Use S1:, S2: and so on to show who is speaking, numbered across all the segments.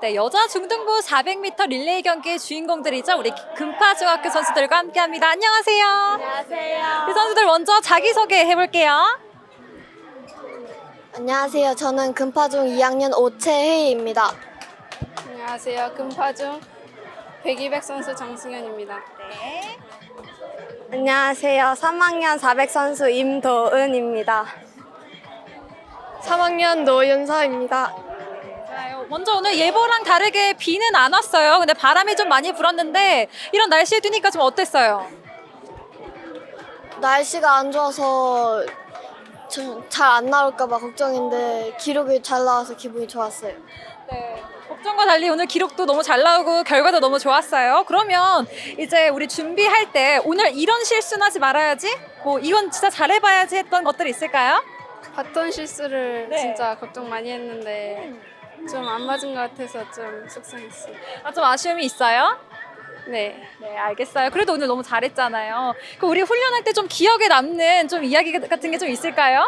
S1: 네, 여자 중등부 400m 릴레이 경기의 주인공들이죠. 우리 금파중학교 선수들과 함께합니다. 안녕하세요.
S2: 안녕하세요.
S1: 우리 선수들 먼저 자기소개 해볼게요.
S2: 안녕하세요. 저는 금파중 2학년 오채혜입니다.
S3: 안녕하세요. 금파중 100, 200 선수 장승현입니다.
S1: 네.
S2: 안녕하세요. 3학년 400 선수 임도은입니다. 3학년 노윤서입니다.
S1: 좋아요. 먼저 오늘 예보랑 다르게 비는 안 왔어요. 근데 바람이 좀 많이 불었는데 이런 날씨에 뛰니까 좀 어땠어요?
S2: 날씨가 안 좋아서 잘 안 나올까봐 걱정인데 기록이 잘 나와서 기분이 좋았어요.
S1: 네. 걱정과 달리 오늘 기록도 너무 잘 나오고 결과도 너무 좋았어요. 그러면 이제 우리 준비할 때 오늘 이런 실수는 하지 말아야지, 뭐 이건 진짜 잘해봐야지 했던 것들이 있을까요?
S3: 바톤 실수를
S1: 네.
S3: 진짜 걱정 많이 했는데 좀 안 맞은 것 같아서 좀 속상했어요.
S1: 좀 아쉬움이 있어요?
S3: 네.
S1: 네, 알겠어요. 그래도 오늘 너무 잘했잖아요. 그럼 우리 훈련할 때 좀 기억에 남는 좀 이야기 같은 게 좀 있을까요?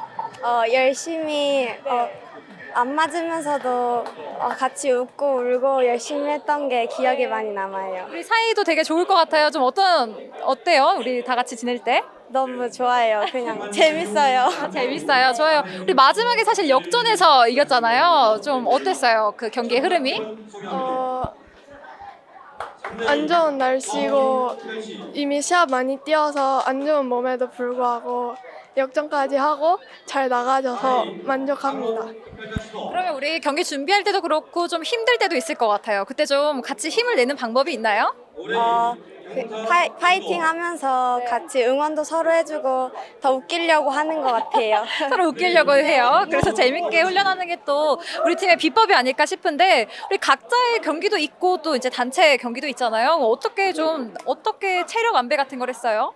S2: 열심히 안 맞으면서도 같이 웃고 울고 열심히 했던 게 기억에 많이 남아요.
S1: 우리 사이도 되게 좋을 것 같아요. 좀 어때요? 우리 다 같이 지낼 때?
S2: 너무 좋아요. 그냥 재밌어요.
S1: 재밌어요. 좋아요. 우리 마지막에 사실 역전해서 이겼잖아요. 좀 어땠어요? 그 경기의 흐름이?
S4: 안 좋은 날씨고 이미 시합 많이 뛰어서 안 좋은 몸에도 불구하고 역전까지 하고 잘 나가져서 만족합니다.
S1: 그러면 우리 경기 준비할 때도 그렇고 좀 힘들 때도 있을 것 같아요. 그때 좀 같이 힘을 내는 방법이 있나요?
S2: 파이팅 하면서 같이 응원도 서로 해주고 더 웃기려고 하는 것 같아요.
S1: 서로 웃기려고 해요. 그래서 재밌게 훈련하는 게 또 우리 팀의 비법이 아닐까 싶은데, 우리 각자의 경기도 있고 또 이제 단체 경기도 있잖아요. 어떻게 체력 안배 같은 걸 했어요?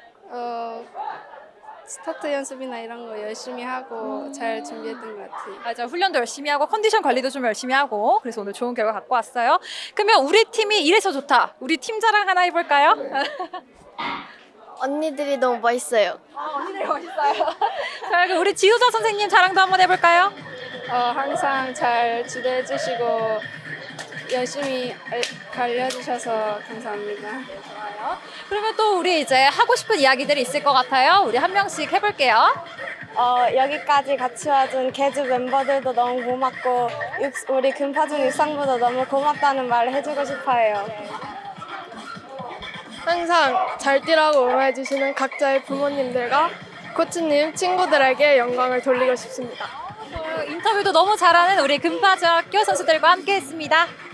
S3: 스타트 연습이나 이런 거 열심히 하고 잘 준비했던 것 같아요.
S1: 맞아, 훈련도 열심히 하고 컨디션 관리도 좀 열심히 하고, 그래서 오늘 좋은 결과 갖고 왔어요. 그러면 우리 팀이 이래서 좋다. 우리 팀 자랑 하나 해볼까요?
S2: 언니들이 너무 멋있어요.
S1: 언니들 멋있어요. 자, 그럼 우리 지도자 선생님 자랑도 한번 해볼까요?
S3: 항상 잘 지도해 주시고 열심히 알려주셔서 감사합니다.
S1: 그러면 또 우리 이제 하고 싶은 이야기들이 있을 것 같아요. 우리 한 명씩 해볼게요.
S2: 여기까지 같이 와준 개주 멤버들도 너무 고맙고 우리 금파중 육상부도 너무 고맙다는 말을 해주고 싶어요.
S4: 항상 잘 뛰라고 응원해주시는 각자의 부모님들과 코치님, 친구들에게 영광을 돌리고 싶습니다.
S1: 인터뷰도 너무 잘하는 우리 금파중학교 선수들과 함께했습니다.